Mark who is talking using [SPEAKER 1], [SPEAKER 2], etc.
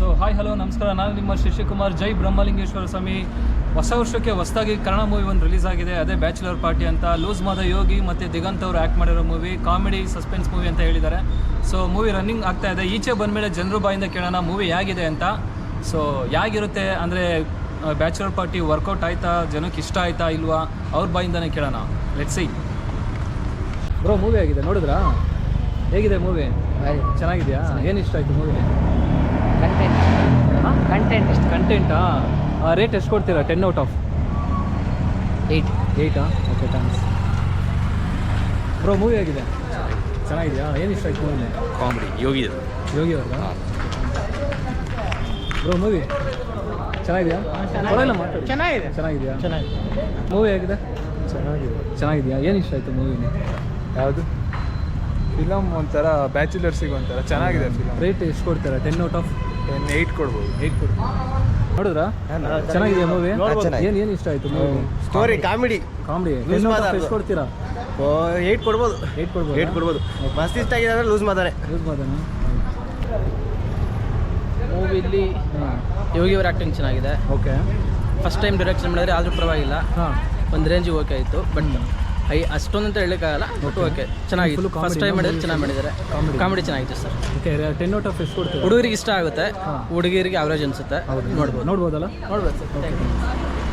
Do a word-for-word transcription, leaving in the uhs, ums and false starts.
[SPEAKER 1] So hi hello ನಮಸ್ಕಾರ, ನಾನು ನಿಮ್ಮ ಶಶಿಕುಮಾರ್. ಜೈ ಬ್ರಹ್ಮಲಿಂಗೇಶ್ವರ ಸ್ವಾಮಿ. ಹೊಸ ವರ್ಷಕ್ಕೆ ಹೊಸದಾಗಿ ಕನ್ನಡ ಮೂವಿ ಒಂದು ರಿಲೀಸ್ ಆಗಿದೆ, ಅದೇ ಬ್ಯಾಚುಲರ್ ಪಾರ್ಟಿ ಅಂತ. ಲೂಸ್ ಮಾದ ಯೋಗಿ ಮತ್ತು ದಿಗಂತ್ ಅವರು ಆ್ಯಕ್ಟ್ ಮಾಡಿರೋ ಮೂವಿ, ಕಾಮಿಡಿ ಸಸ್ಪೆನ್ಸ್ ಮೂವಿ ಅಂತ ಹೇಳಿದ್ದಾರೆ. ಸೊ ಮೂವಿ ರನ್ನಿಂಗ್ ಆಗ್ತಾ ಇದೆ. ಈಚೆ ಬಂದಮೇಲೆ ಜನರು ಬಾಯಿಂದ ಕೇಳೋಣ ಮೂವಿ ಹೇಗಿದೆ ಅಂತ. ಸೊ ಹೇಗಿರುತ್ತೆ ಅಂದರೆ ಬ್ಯಾಚುಲರ್ ಪಾರ್ಟಿ ವರ್ಕೌಟ್ ಆಯಿತಾ, ಜನಕ್ಕೆ ಇಷ್ಟ ಆಯಿತಾ ಇಲ್ವಾ, ಅವ್ರ ಬಾಯಿಂದನೇ ಕೇಳೋಣ. Let's see. ಬ್ರೋ ಮೂವಿ ಆಗಿದೆ, ನೋಡಿದ್ರಾ? ಹೇಗಿದೆ ಮೂವಿ? ಚೆನ್ನಾಗಿದೆಯಾ? ಏನು ಇಷ್ಟ ಆಯಿತು ಮೂವಿ?
[SPEAKER 2] ಕಂಟೆಂಟ್ ಕಂಟೆಂಟ್
[SPEAKER 1] ಎಷ್ಟು ಕಂಟೆಂಟಾ? ರೇಟ್ ಎಷ್ಟು ಕೊಡ್ತೀರಾ? ಟೆನ್ ಔಟ್ ಆಫ್
[SPEAKER 2] ಏಯ್ಟ್
[SPEAKER 1] ಏಯ್ಟಾ? Okay, thanks. ಬ್ರೋ ಮೂವಿ ಆಗಿದೆ, ಚೆನ್ನಾಗಿದೆಯಾ? ಏನು ಇಷ್ಟ ಆಯ್ತು ಮೂವಿನೇ?
[SPEAKER 3] ಕಾಮಿಡಿ ಯೋಗಿ
[SPEAKER 1] ಯೋಗಿ ಅವ್ರದ್ದು. ಬ್ರೋ ಮೂವಿ ಚೆನ್ನಾಗಿದೆಯಾ? ಪರವಾಗಿಲ್ಲ ಮಾತಾಡಿ.
[SPEAKER 2] ಚೆನ್ನಾಗಿದೆ
[SPEAKER 1] ಚೆನ್ನಾಗಿದೆಯಾ?
[SPEAKER 2] ಚೆನ್ನಾಗಿದೆ
[SPEAKER 1] ಮೂವಿ ಆಗಿದೆ,
[SPEAKER 3] ಚೆನ್ನಾಗಿದೆ.
[SPEAKER 1] ಚೆನ್ನಾಗಿದೆಯಾ? ಏನು ಇಷ್ಟ ಆಯಿತು ಮೂವಿನೇ?
[SPEAKER 3] ಯಾವುದು ಫಿಲಮ್? ಒಂಥರ ಬ್ಯಾಚುಲರ್ಸಿಗೆ ಒಂಥರ ಚೆನ್ನಾಗಿದೆ ಫಿಲಮ್.
[SPEAKER 1] ರೇಟ್ ಎಷ್ಟು ಕೊಡ್ತೀರಾ? Ten out of
[SPEAKER 3] ten eight ಕೊಡ್ಬೋದು.
[SPEAKER 1] ಏಯ್ಟ್ ಕೊಡಿ. ನೋಡಿದ್ರಾ? ಚೆನ್ನಾಗಿದೆಯಾ ಮೂವಿ?
[SPEAKER 3] ಚೆನ್ನಾಗಿದೆ.
[SPEAKER 1] ಏನು ಏನು ಇಷ್ಟ ಆಯಿತು movie?
[SPEAKER 3] Story comedy
[SPEAKER 1] comedy.
[SPEAKER 3] Lose
[SPEAKER 1] ten out
[SPEAKER 3] ಮಾತಾಡ್ದು.
[SPEAKER 1] ಆಫ್ ಎಷ್ಟು ಕೊಡ್ತೀರಾ?
[SPEAKER 3] ಏಯ್ಟ್ ಕೊಡ್ಬೋದು.
[SPEAKER 1] ಏಯ್ಟ್ ಕೊಡ್ಬೋದು.
[SPEAKER 3] ಏಯ್ಟ್ ಕೊಡ್ಬೋದು. ಮಸ್ತ್ ಇಷ್ಟ ಆಗಿದೆ ಅಂದರೆ ಲೂಸ್ ಮಾತಾನೆ.
[SPEAKER 1] ಯೂಸ್ ಮಾಡೋಣ.
[SPEAKER 2] ಮೂವಿಲಿ
[SPEAKER 1] ಹಾಂ,
[SPEAKER 2] ಯೋಗಿಯವರ ಆ್ಯಕ್ಟಿಂಗ್ ಚೆನ್ನಾಗಿದೆ.
[SPEAKER 1] ಓಕೆ.
[SPEAKER 2] ಫಸ್ಟ್ ಟೈಮ್ ಡೈರೆಕ್ಷನ್ ಮಾಡಿದ್ರೆ ಆದರೂ ಪರವಾಗಿಲ್ಲ,
[SPEAKER 1] ಹಾಂ,
[SPEAKER 2] ಒಂದು ರೇಂಜಿಗೆ ಓಕೆ ಆಯಿತು. ಬಟ್ ಐ ಅಷ್ಟೊಂದು ಅಂತ ಹೇಳೋಕ್ಕಾಗಲ್ಲ, ಬಟ್ ಓಕೆ ಚೆನ್ನಾಗಿತ್ತು.
[SPEAKER 1] Full comedy,
[SPEAKER 2] ಫಸ್ಟ್ ಟೈಮ್ ಮಾಡಿದ್ರೆ
[SPEAKER 1] no?
[SPEAKER 2] ಚೆನ್ನಾಗಿ ಮಾಡಿದ್ದಾರೆ.
[SPEAKER 1] Comedy.
[SPEAKER 2] ಕಾಮಿಡಿ ಚೆನ್ನಾಗಿತ್ತು sir.
[SPEAKER 1] Okay. Ten out of ಎಷ್ಟು ಕೊಡ್ತೀರಾ?
[SPEAKER 2] ಹುಡುಗರಿಗೆ ಇಷ್ಟ ಆಗುತ್ತೆ,
[SPEAKER 1] ಹಾಂ.
[SPEAKER 2] ಹುಡುಗಿಯರಿಗೆ ಅವರೇಜ್ ಅನಿಸುತ್ತೆ.
[SPEAKER 1] ಹೌದು,
[SPEAKER 2] ನೋಡ್ಬೋದು
[SPEAKER 1] ನೋಡ್ಬೋದಲ್ಲ?
[SPEAKER 2] ನೋಡ್ಬೋದು ಸರ್.